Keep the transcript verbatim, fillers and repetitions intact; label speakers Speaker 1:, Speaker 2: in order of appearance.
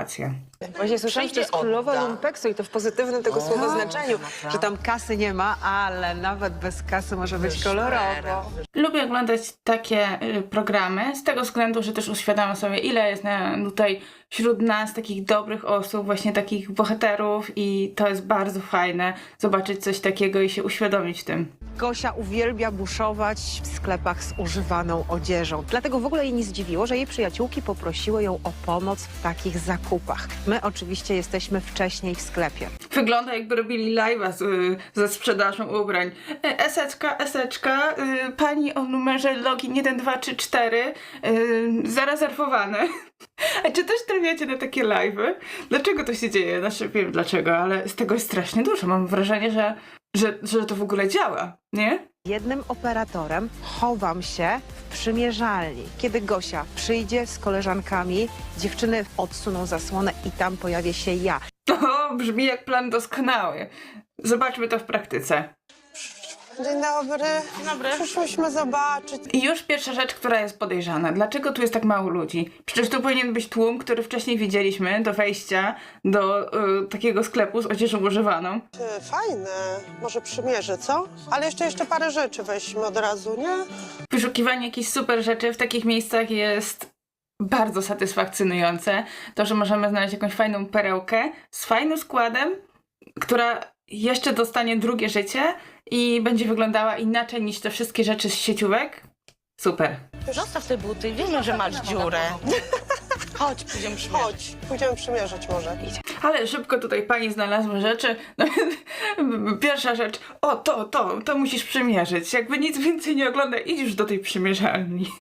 Speaker 1: satysfakcja.
Speaker 2: Właśnie słyszałam, że to jest królowa lumpeksu i to w pozytywnym tego słowa znaczeniu, że tam kasy nie ma, ale nawet bez kasy może być kolorowo.
Speaker 1: Lubię oglądać takie y, programy z tego względu, że też uświadamiam sobie, ile jest na, tutaj wśród nas takich dobrych osób, właśnie takich bohaterów i to jest bardzo fajne zobaczyć coś takiego i się uświadomić w tym.
Speaker 2: Gosia uwielbia buszować w sklepach z używaną odzieżą. Dlatego w ogóle jej nie zdziwiło, że jej przyjaciółki poprosiły ją o pomoc w takich zakupach. My oczywiście jesteśmy wcześniej w sklepie.
Speaker 1: Wygląda, jakby robili live'a z, y, ze sprzedażą ubrań. E, Eseczka, eseczka, y, pani o numerze login jeden, dwa, trzy, cztery, y, zarezerwowane. A czy też trafiacie na takie live'y? Dlaczego to się dzieje? Znaczy wiem dlaczego, ale z tego jest strasznie dużo. Mam wrażenie, że, że, że to w ogóle działa, nie?
Speaker 2: Jednym operatorem chowam się w przymierzalni. Kiedy Gosia przyjdzie z koleżankami, dziewczyny odsuną zasłonę i tam pojawię się ja.
Speaker 1: O, brzmi jak plan doskonały. Zobaczmy to w praktyce.
Speaker 3: Dzień dobry. Dzień dobry. Przyszłyśmy zobaczyć.
Speaker 1: I już pierwsza rzecz, która jest podejrzana. Dlaczego tu jest tak mało ludzi? Przecież tu powinien być tłum, który wcześniej widzieliśmy do wejścia do y, takiego sklepu z odzieżą używaną.
Speaker 3: Ty, fajne. Może przymierzę, co? Ale jeszcze jeszcze parę rzeczy weźmy od razu, nie?
Speaker 1: Wyszukiwanie jakichś super rzeczy w takich miejscach jest bardzo satysfakcjonujące. To, że możemy znaleźć jakąś fajną perełkę z fajnym składem, która jeszcze dostanie drugie życie i będzie wyglądała inaczej niż te wszystkie rzeczy z sieciówek. Super.
Speaker 4: Zostaw te buty, wiemy, że masz dziurę. Chodź, pójdziemy przymierzyć.
Speaker 3: Chodź, pójdziemy przymierzyć może.
Speaker 1: Ale szybko tutaj pani znalazła rzeczy. No, pierwsza rzecz, o to, to, to musisz przymierzyć. Jakby nic więcej nie ogląda, idź już do tej przymierzalni.